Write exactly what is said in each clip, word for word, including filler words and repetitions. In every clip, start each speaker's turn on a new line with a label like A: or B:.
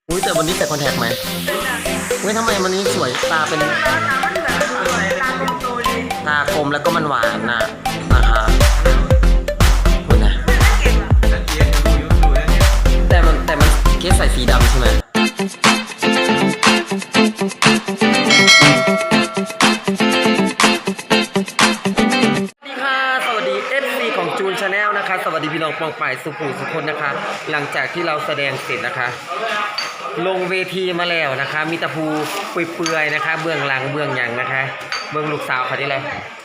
A: อุ้ยแต่วันนี้ใส่คอนแทคไหมเฮ้ยทำไมวันนี้สวยตาเป็นตากลมแล้วก็มันหวานน่ะนะคะคุณนะแต่มันแต่มันเกสใส่สีดำใช่ไหมของจูนชาแนลนะคะสวัสดีพี่น้องปองป่ายสุขุสุขคนนะคะหลังจากที่เราแสดงเสร็จนะคะลงเวทีมาแล้วนะคะมีตะพูเปื่อยๆนะคะเบื้องหลังเบื้องหยังนะคะเบื้องลูกสาวเขาที่ไร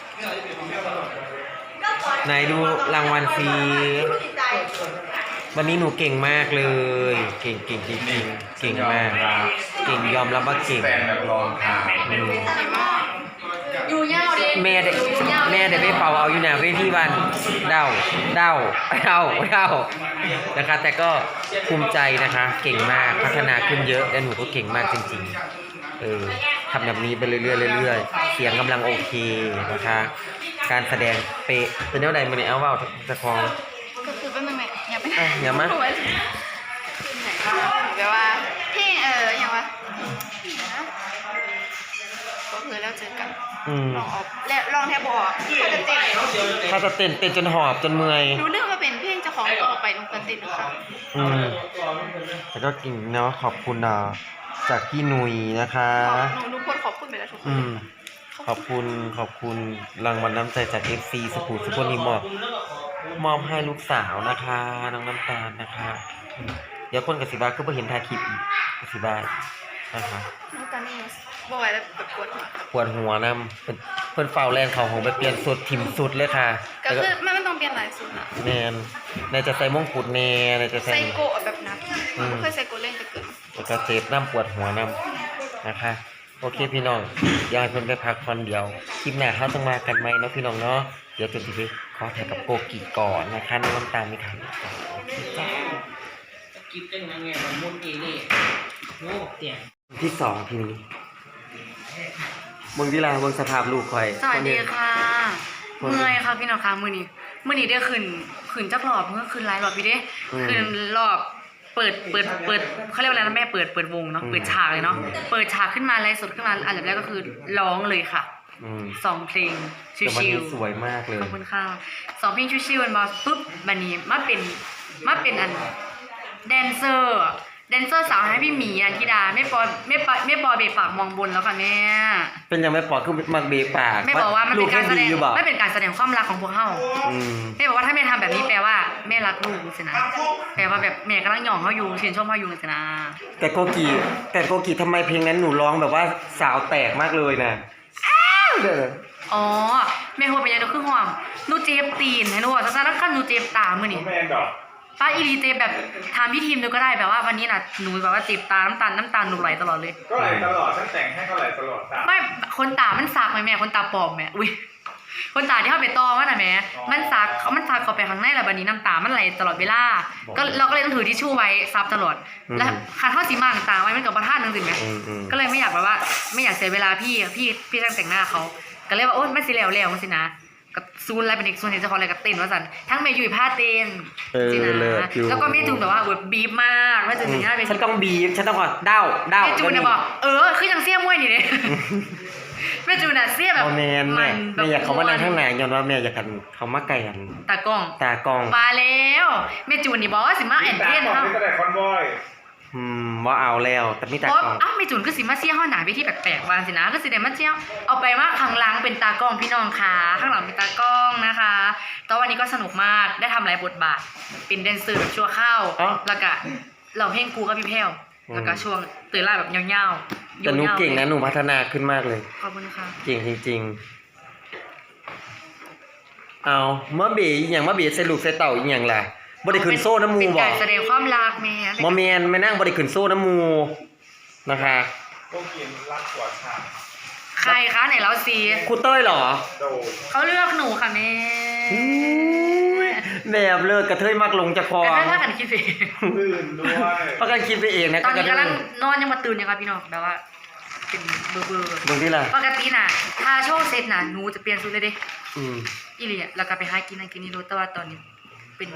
A: ไหนดูรางวัลซีวันนี้หนูเก่งมากเลยเก่งเก่งจริงๆเก่งมากเก่งยอมรับว่าเก่ง
B: อยู่ยาวดิ
A: แม่ได้แม่ได้ไปเป่าเอาอยู่หน้าเวทีบ้านเด้าเด้าเด้าเด้านะคะแต่ก็ภูมิใจนะคะเก่งมากพัฒนาขึ้นเยอะและหนูก็เก่งมากจริงๆเออทำแบบนี้ไปเรื่อยๆเรื่อยๆเสียงกำลังโอเคนะคะการแสดงเป๊ะเป็นเท่าไหร่มันเนี่ยเอาว่าตะคอง
B: ก็คือเป็นยังไงอย่าไป
A: อย่ามา
B: แปลว่าพี่เอออย่างวะก็คือแล้วเจอกันลองออกแล้วลองแทบบอกถ้าจะเต้น
A: ถ้าจะเต้นเต้นจนหอบจนเมื่อย
B: รู้เรื่องว่าเป็นเพลงเจ้าของก็ออกไปลงกันเต้นนะคะ
A: อืมแต่ก็กิ่งเนาะขอบคุณนะจากพี่หนุ่ยนะคะ
B: หนูทุกคนขอบคุณไปแล้วทุกคน
A: ขอบคุณขอบคุณรางวัลน้ำใจจาก เอฟ ซี สปูสุพนีมอบมอบให้ลูกสาวนะคะน้องน้ำตาลนะคะเดี๋ยวคนกับสิบาคือพอเห็นทาคลิปกับสิบานะคะ
B: น้ำตาลนี่บ่อยแล้วแบบปวดหัว
A: ปวดหัวนำเป็นเพิ่นเฝ้าแรงเขาของไปเปลี่ยนสุดถิ่มสุดเลยค่ะ
B: ก็คือมันไม่ต้องเปลี่ยนหลายสุดนะ
A: แนนในจะใส่มงกุฎแน่ในจะใส่
B: ไซโกะแบบนั้นไม่เคยไซโกะเล่นแต่เกิด
A: แล้วก็เจ็บน้ำปวดหัวนำนะคะโอเคพี่น้องอยากให้เพิ่นไปพักผ่อนเดียวคลิปหน้าเขาต้องมากันไหมเนาะพี่น้องเนาะเดี๋ยวจนทีนี้ขอถ่ายกับโกกิก่อนนะคะในน้ำตาลไม่ทันจ้า
C: กินจังไงมันมุนเอเล่โง่เตี่ย
A: ที่สองทีนี้เมืองที่ลาเมืองสภาพลูกคอย
B: สวัสดีค่ะเมื่อยค่ะพี่น้องคะมือนี้มือนี้ได้ขึ้นขึ้นจักรอบเมื่อคืนไลฟ์รอบพี่เด้ขึ้นรอบเปิดเปิดเปิดเขาเรียกว่าอะไรนะแม่เปิดเปิดวงเนาะเปิดฉากเลยเนาะเปิดฉากขึ้นมาไลฟ์สดขึ้นมาอันดับแรกก็คือร้องเลยค่ะสองเพลงชิว
A: ๆสวยมากเลย
B: ขอบคุณค่ะสองเพลงชิวๆมันมาปุ๊บบันนี้มาเป็นมาเป็นอันแดนเซอร์แดนเซอร์สาวให้พี่หมีอันธิดาไม่ปอไม่ปอไม่ปอเบปากมองบนแล้วค่ะแม่
A: เป็นยังไม่ปอคือมักเบปาก
B: ไม่บอกว่ามันเป็นการแสดงไม่เป็นการแสดงความรักของพวกเฮาไม่บอกว่าถ้าแม่ทำแบบนี้แปลว่าแม่รักลูกสินะแปลว่าแบบแม่กำลังหย่องเขาอยู่ชื่นชมเขาอยู่สินะ
A: แต่โกกีแต่โกกีทำไมเพลงนั้นหนูร้องแบบว่าสาวแตกมากเลยนะ
B: อ๋อแม่หัวเป็นยังไงคือห่วงหนูเจ็บตีนให้หนูบอกซะแล้วขั้นหนูเจ็บตามื้อนี้ป้าอีรีเจ็บแบบทำพี่ทีมดูก็ได้แบบว่าวันนี้น่ะหนูแบบว่าเจ็บตาน้ำตาลน้ำตาลหนูไหลตลอดเลย
D: ก็ไหลตลอดฉันแต่งให้ก็ไหลตลอด
B: ไม่คนตามันสากไหมแม่คนตาปลอมแม่อุ้ยคนตาที่เขาไปตอว่าน่ะแม่มันสากเขามันสากเข้าไปข้างในแล้ววันนี้น้ำตามันไหลตลอดเวลาก็เราก็เลยต้องถือทิชชู่ไว้ซับตลอดแล้วคาเท่าสีมั่งตาไว้มันกับประทานนึงสิแม่ก็เลยไม่อยากแบบว่าไม่อยากเสียเวลาพี่พี่พี่ช่างแต่งหน้าเขาก็เลยว่าโอ๊ยมันสิแล้วแล้วมันสินะกับซูนอะไรเป็นอีกซูนเห็นเจ้าของอะไรกับเต้นว่าสันทั้งเมย์อยู่ผ้าเต้นจีนะแล้วก็เมย์จูนแบบว่าแบบบีบมากว่าจะถึงง่ายเป็น
A: ฉันต้องบีบฉันต้องก่อนเด้าเด้า
B: เมย์จูนเนี่ยบอกเออคือยังเสี้ยมวยนี่เลยเมย์จูนน่ะเสี้ยแบบ
A: แมนแม่แม่อยากเขามานั่งข้างไหนย้อนว่าแม่อยากกันเขามาไก่กัน
B: ตากล้อง
A: ตากล้อง
B: ปลาแล้วเมย์จูนนี่บอกว่าสิมาแอนเทน
D: เขาแต่คอนวอย
A: อืมว่าเอาแล้วแต่ไม่ตากล้อง
B: อ้าวเมย์จูนก็สิมาเสี้ยห้องหนาไปที่แปลกๆวางสินะก็สิเดมาเสี้ยเอาไปว่าข้างหลังเป็นตากล้องพี่น้องค่ะข้างหลังเป็นตากล้องนะคะตอนวันนี้ก็สนุกมากได้ทำหลายบทบาทเป็นแดนเซอร์แบบชั่วข้าวแล้วก็เราเพลงกูกับพี่แพ้วแล้วก็ช่วงตื่นไล่แบบยาว
A: ๆแต่หนูเก่งนะหนูพัฒนาขึ้นมากเลย
B: ขอบคุณค่ะ
A: เก่งจริงๆเอาเมื่อเบย์อย่างเมื่อเบย์ใส่ลูกใส่เต่าอย่างล่ะบริขึ้นโซ่น้ำมูบอก
B: แสดงความรักแม่
A: โมเมนไม่นั่งบริขึ้นโซ่น้ำมูนะคะ
D: พวกกินรักกว่าค่ะ
B: ใครคะไหนเราซี
A: ครูเต้ยเหรอ
B: เขาเลือกหนูค่ะแม่
A: แบบเลิกกระเทยมากลงจะคอก
B: ระเทยถ้ากันคิดไป
D: ตื่นด้วย
A: เพราะกันคิดไปเองนะ
B: ตอนนี้กำลังนอนยังมาตื่นยังครับพี่น้องแบบว่าเป็นเบอร์เบอร์
A: ตรงที่ไร
B: ปกติน่ะถ้าโชว์เซตน่ะหนูจะเปลี่ยนชุดเลยดิอีเลียแล้วก็ไปหากินนั่นกินนี่รู้แต่ว่าตอนนี้เป็นแบบ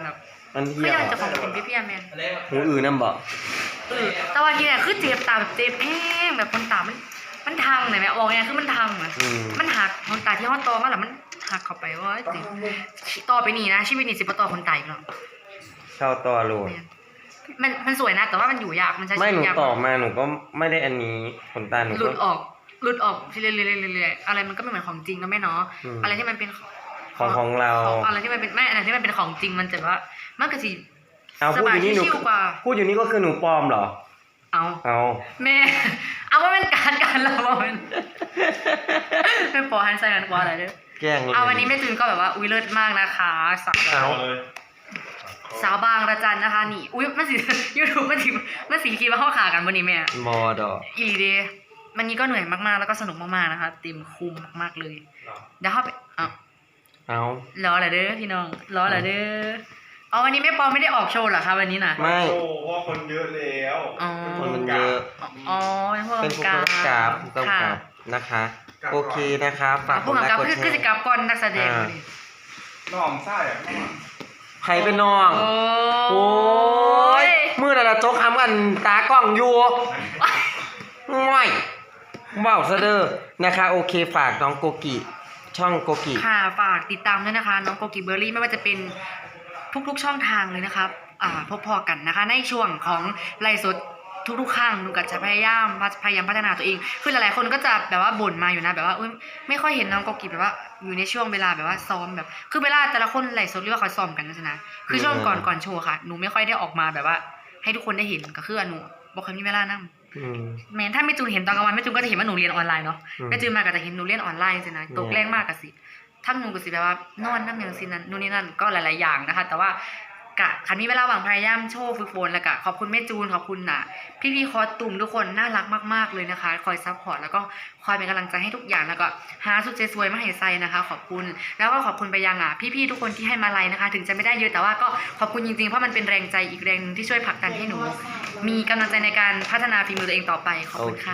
A: มัน
B: คื
A: เที่
B: อ
A: ยว
B: ยังจะของเป็นพี่พี่แมน
C: อะไรวะ
A: หูอื่นน้ำบอก
B: เออแต่ว่าที่แรกคือเจ็บตาแบบเจ็บแห้งแบบคนตามันมันทางไหนไหมออกไงคือมันทางอ่ะ
A: อืม
B: มันหักคนตาที่ห้อตอมาแล้วมันหักเข้าไปว่าติต่อไปนี่นะชีวิตนี่สิบต่อคนตายอีกหรอก
A: เช่าต่อโหลด
B: มันมันสวยนะแต่ว่ามันอยู่ยากมันใช้
A: ไม่
B: ชี
A: ห
B: วิ
A: นู
B: ตยาก
A: ตอบมาหนูก็ไม่ได้อันนี้ขนตาหนู
B: หลุ
A: ก็
B: ดออกหลุดออกเรื่อยๆเรื่อยๆอะไรมันก็ไม่เหมือนของจริงนะแม่เนาะ
A: อืม
B: อะไรที่มันเป็น
A: ของของเรา
B: ของอะไรที่มันเป็นแม่อะไรที่มันเป็นของจริงมันจะว่ามันก็สิ
A: เอาพูดอยู่นี่หนู
B: สบายชิวๆกว่า
A: พูดอยู่นี่ก็คือหนูปลอมเหรอ
B: เอา
A: เอา
B: แม่ เอาว่าเป็นการการเราว่าเป็นเป็นปอฮันใส่กันกว่าอะไรเด้อ
A: แกล้งเลย
B: เอาวันนี้แม่จูนก็แบบว่าอุ้ยเลิศมากนะคะสาว
A: เอา
D: เลย
B: สาวบางระจันนะคะนี่อุ้ยมันสี ยูทูบมันสีมันสีคิดว่าเข้าขากันวันนี้แม่
A: มอดอก
B: อีหลีเดย์วันนี้ก็เหนื่อยมากๆแล้วก็สนุกมากๆนะคะเต็มคุมมากๆเลยเดี๋ยวเข้าไปเอา
A: เอา
B: รอเหรอเด้อพี่น้องรอเหรอเด้อเอาวันนี้แม่ปอไม่ได้ออกโชว์เหรอคะวันนี้น่ะ
A: ไม่
D: โอ้เพราะว่าคนเยอะแล้ว
B: อ๋อ
A: คนมันเยอะ
B: อ๋อเป็นผู้
A: เป็นผู้
B: กำกับ
A: กำกับผู้กำ
B: ค่ะ
A: กับนะคะ โอเคนะคะฝากก
B: ผู้
A: ดไล
B: กำกับ
A: ค์กด
B: คือ
A: แช
B: คือจะ
A: ร์
B: กลับก่อนนักแสดง
A: อ่า
B: นี่
D: น้องไส้อะน้อง
A: ใครเป็นน้อง
B: โอ้
A: โอ้ยมือนั่นละโจ๊กทำกันตากล้องอยู่ง่อยเว้าวซะเด้อนะคะ โอเคฝากน้องโกกิ ช่องโกกิ
B: ค่ะฝากติดตามด้วยนะคะน้องโกกิเบอร์รี่ไม่ว่าจะเป็นทุกๆช่องทางเลยนะครับอ่าพบพอกันนะคะ ในช่วงของไลฟ์สดทุกๆครั้งหนูก็จะพยายามพยายามพัฒนาตัวเองคือหลายๆคนก็จะแบบว่าบ่นมาอยู่นะแบบว่าอุ๊ยไม่ค่อยเห็นน้องโกกิแบบว่าอยู่ในช่วงเวลาแบบว่าซ้อมแบบ คือเวลาแต่ละคนไลฟ์สดเรียกว่าเขาซ้อมกันนะนะคือช่วงก่อนก่อนโชว์ค่ะหนูไม่ค่อยได้ออกมาแบบว่า ให้ทุกคนได้เห็นก็คือหนูบอกเคยมีเวลานั่ง
A: อืม
B: แม้ถ้าไม่จูนเห็นตอนกลางวันไม่จูนก็จะเห็นว่าหนูเรียนออนไลน์เนาะ
A: อืม
B: ไม่จูนมาก็จะเห็นหนูเรียนออนไลน์สินะตกแรงมากกะสิทั้งหนูก็สิแบบว่านอนน้ำอย่างสินั้นนู่นนี่นั่นก็หลายๆอย่างนะคะ แต่ว่ากะคันมีเวลาว่างพยายามโชว์ฝึกฝนแล้วก็ขอบคุณแม่จูนขอบคุณน่ะ พี่ๆคอสตูมทุกคนน่ารักมากๆเลยนะคะ คอยซัพพอร์ตแล้วก็คอยเป็นกำลังใจให้ทุกอย่างแล้วก็หาสุดสวยๆมาให้ใส่นะคะ ขอบคุณแล้วก็ขอบคุณไปยังอ่ะพี่ๆทุกคนที่ให้มาไลน์นะคะ ถึงจะไม่ได้เยอะแต่ว่าก็ขอบคุณจริงๆเพราะมันเป็นแรงใจอีกแรงหนึงที่ช่วยผลักดันให้หนู มีกำลังใจในการพัฒนาฝีมือตัวเองต่อไปขอบ
A: โอ
B: คุณ
A: เค
B: ค่ะ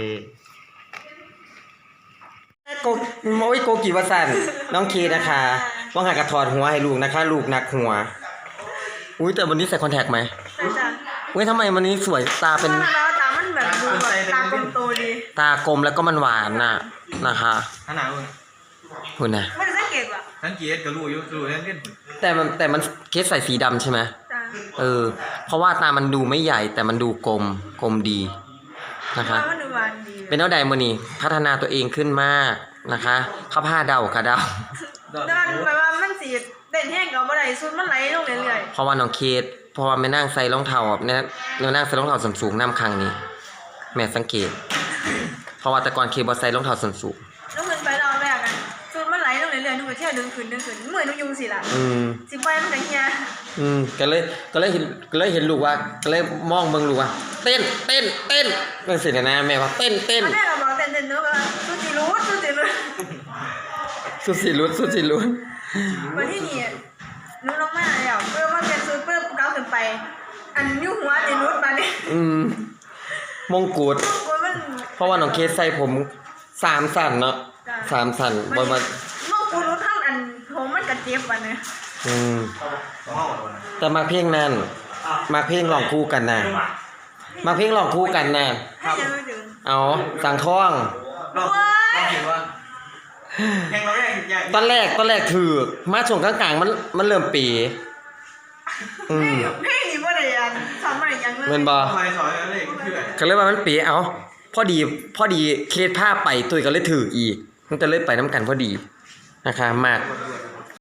A: โกโอ้ยโกกิวสันน้องเคนะคะว่างหากระถอดหัวให้ลูกนะคะ ลูกหนักหัว อุ้ยแต่วันนี้ใส่คอนแทคไหม
E: ใช่จ้ะ
A: เว้ยทำไมวันนี้สวยตาเป็น
E: เพราะว่าตามันแบบดูแบบตากลมโตดี
A: ตากลมแล้วก็มันหวานน่ะนะคะ
F: ขนาดว่า
A: คุณนะ
E: ไม่ได้สังเกตว่ะ
F: สังเกตก็รู้อยู่รู้เล่นเล่น
A: แต่มันแต่มันเคสใส่สีดำใช่ไหม
E: จ้ะ
A: เออ เพราะว่าตามันดูไม่ใหญ่แต่มันดูกลมกลมดีนะคะ
E: ว่ามันดูหวานดี
A: เป็นเท่าใดมือนี่พัฒนาตัวเองขึ้นมากนะคะเข้าผ้าเดาค่ะเดา
E: แต่มันแบบว่ามันสีเด่นแห้งกับอะไรสุดมันไหลลงเรื่อย
A: เพราะว่าน้องเคสเพราะว่าไม่นั่งใส่รองเท้าแบบเนี่ยเรานั่งใส่รองเท้าส้นสูงน้ำครั้งนี้ แม่สังเกต เพราะว่าแต่ก่อนเคบอใส่รองเท้าส้นสูง
E: ๆแล้วขึ้นไปเราแรกอ่ะสุดมันไหลลงเรื่อยๆหนูก็เที่ยวดึงขึ้นดึงขึ้นเหมือนหนูยุงสิล่ะ
A: อืม
E: สิไปมันแต่เฮีย
A: อืมก็เลยก็เลยเห็นก็เลยเห็นลูกว่าก็เลยมองเบิ่งลูกว่า เต้นเต้นเต้นก็เสร็จแล้วนะแม่ว่าเต้นเต้น
E: ตอนแรกเราบอกเต้นเต้นหนูก็สุดสิรู้สุดสิรู้
A: สุดสิลุ้นสุดสิลุ้น
E: วันที่นี่หนูลงมาแล้วเพื่อมาเปลี่ยนสูตรเพื่อก้าวขึ้นไป อันนิ้วหัวนี่รุดมาเนี่ย
A: อืมมงกุฎ
E: กลัวมัน
A: เพราะว่าน้องเคสใส่ผมสามสั่นเนาะสามสั่นบนมา
E: โลกกูรู้ทั้งอันผมมันกระเจ็บวันเนี่ย
A: อืมแต่มาเพลงนั้นมาเพลงลองคู่กันนะมาเพลงลองคู่กันนะ
E: ให้ยังไม่ถึง
A: เอาสังท่อง
F: เราเราเห็นว่าแข่งเราแรกใหญ่
A: ตอนแรกตอนแรกถือมาช่วงกลางๆมันมันเริ่มปีอืม
E: เพลงนี้ว่าอะไรยังสอนอะไรยังเลย
A: เงินบอ
F: ทำไมสอนอะไรเพื่อน
A: ก็เลยว่ามันปีเอาพอดีพอดีเคสผ้าไปตุยก็เลยถืออีกมันจะเลยไปน้ำกันพอดีนะคะมาก